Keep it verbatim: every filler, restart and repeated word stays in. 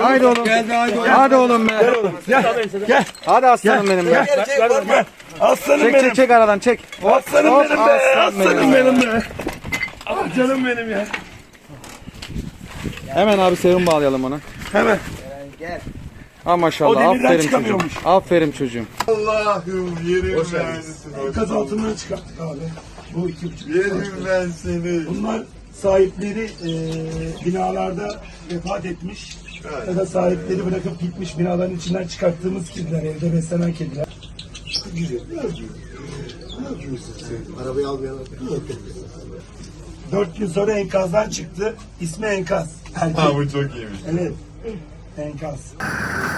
Haydi oğlum. Hadi oğlum be. Gel. Hadi aslanım benim be. Gel. Aslanım Çek benim. çek çek aradan çek. Hop, Aslanım hop, benim be. aslanım Aslanım benim. benim be. Ah canım benim ya. Hemen abi serum bağlayalım ona. Hemen. Ha O maşallah. demirden Aferin çocuğum. çıkamıyormuş. Aferin çocuğum. Allah'ım yerim ben seni. Enkaz altından çıkarttık abi. Bu iki buçuk. Yerim ben seni. Bunlar sahipleri e, binalarda vefat etmiş ya da sahipleri bırakıp gitmiş binaların içinden çıkarttığımız kediler, evde beslenen kediler. Güzel. Ne yapıyorsun? Ne yapıyorsun sen? Arabayı almayalım. Dört gün sonra enkazdan çıktı. İsmi Enkaz. Erkek. Ha bu çok iyiymiş. Evet. Enkaz.